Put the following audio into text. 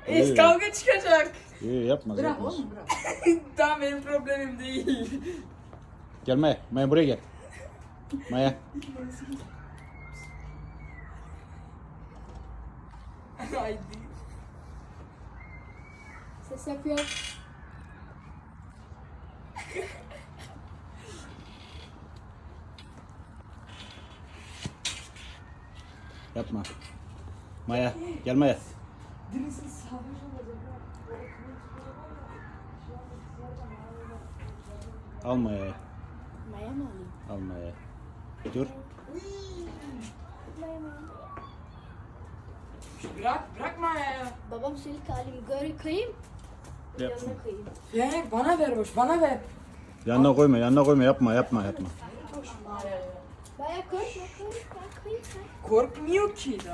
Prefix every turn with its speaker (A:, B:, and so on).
A: Kavga çıkacak.
B: İyi yapmaz.
C: Bırak
B: yapmaz.
C: oğlum bırak.
A: Tamam benim problemim değil.
B: Gel Maya. Maya buraya gel. Maya.
A: Haydi.
C: Ses yapıyor.
B: Yapma. Maya. Gel Maya.
A: Birisi sarhoş olacak.
B: Al Maya'yı.
C: Maya mı alayım?
B: Al Maya. Dur.
C: Maya mı?
A: Bırakma ya.
C: Babam silik alayım. Gör koyayım.
B: Yapma.
C: Yanına koyayım.
A: Ya bana ver boş, bana ver.
B: Yanına koyma, yanına koyma. Yapma, yapma, yapma.
C: Maya korkma korkma koyayım.
A: Korkmuyor ki.